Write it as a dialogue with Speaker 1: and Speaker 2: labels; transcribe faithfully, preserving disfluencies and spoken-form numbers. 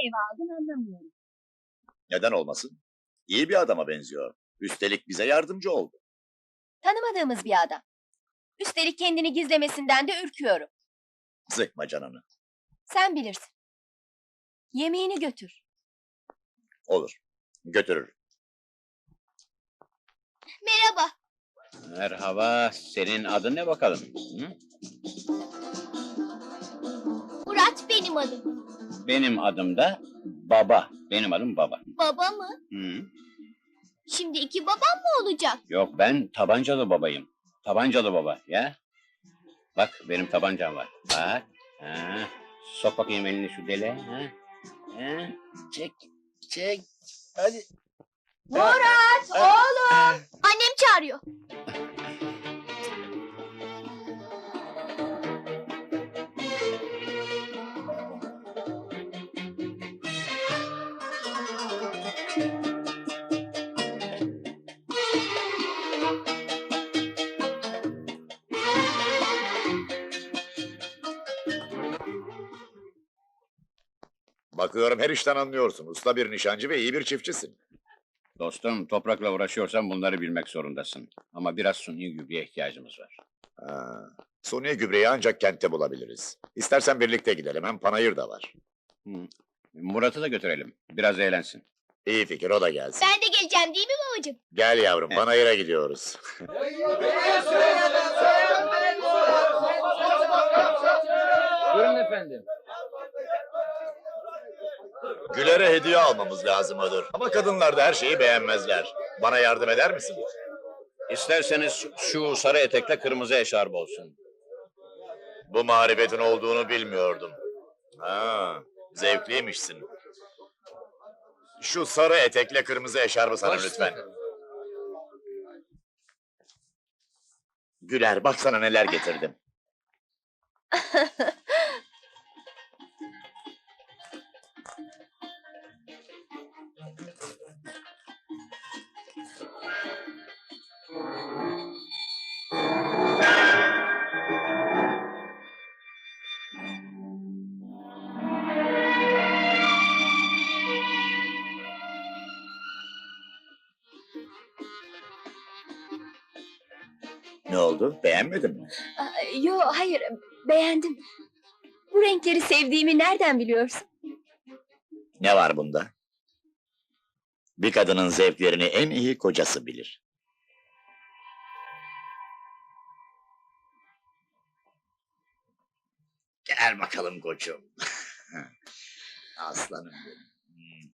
Speaker 1: eve aldın anlamıyorum.
Speaker 2: Neden olmasın? İyi bir adama benziyor. Üstelik bize yardımcı oldu.
Speaker 1: Tanımadığımız bir adam. Üstelik kendini gizlemesinden de ürküyorum.
Speaker 2: Sıkma canını.
Speaker 1: Sen bilirsin. Yemeğini götür.
Speaker 2: Olur. Götürür.
Speaker 1: Merhaba.
Speaker 3: Merhaba, senin adın ne bakalım? Hı?
Speaker 1: Murat benim adım.
Speaker 3: Benim adım da Baba. Benim adım Baba.
Speaker 1: Baba mı?
Speaker 3: Hı?
Speaker 1: Şimdi iki babam mı olacak?
Speaker 3: Yok, ben tabancalı babayım. Tabancalı baba, ya. Bak, benim tabancam var. Bak. Ha. Sok bakayım elini şu dele. Ha. Ha. Çek, çek. Hadi.
Speaker 1: Murat oğlum. Annem çağırıyor.
Speaker 2: Bakıyorum her işten anlıyorsun. Usta bir nişancı ve iyi bir çiftçisin.
Speaker 3: Dostum, toprakla uğraşıyorsan bunları bilmek zorundasın. Ama biraz suni gübreye ihtiyacımız var.
Speaker 2: Ha, suni gübreyi ancak kentte bulabiliriz. İstersen birlikte gidelim. Hem panayır da var.
Speaker 3: Hı. Murat'ı da götürelim. Biraz eğlensin.
Speaker 2: İyi fikir, o da gelsin.
Speaker 1: Ben de geleceğim değil mi babacığım?
Speaker 2: Gel yavrum, panayıra gidiyoruz.
Speaker 3: Buyurun efendim.
Speaker 2: Güler'e hediye almamız lazım Ödür. Ama kadınlar da her şeyi beğenmezler. Bana yardım eder misin?
Speaker 3: İsterseniz şu sarı etekle kırmızı eşarp olsun.
Speaker 2: Bu marifetin olduğunu bilmiyordum. Ha, zevkliymişsin. Şu sarı etekle kırmızı eşarbı sana lütfen. Güler, baksana neler getirdim. Ne oldu? Beğenmedin mi?
Speaker 1: Yo hayır beğendim. Bu renkleri sevdiğimi nereden biliyorsun?
Speaker 2: Ne var bunda? Bir kadının zevklerini en iyi kocası bilir. Gel bakalım koçum. Aslanım benim.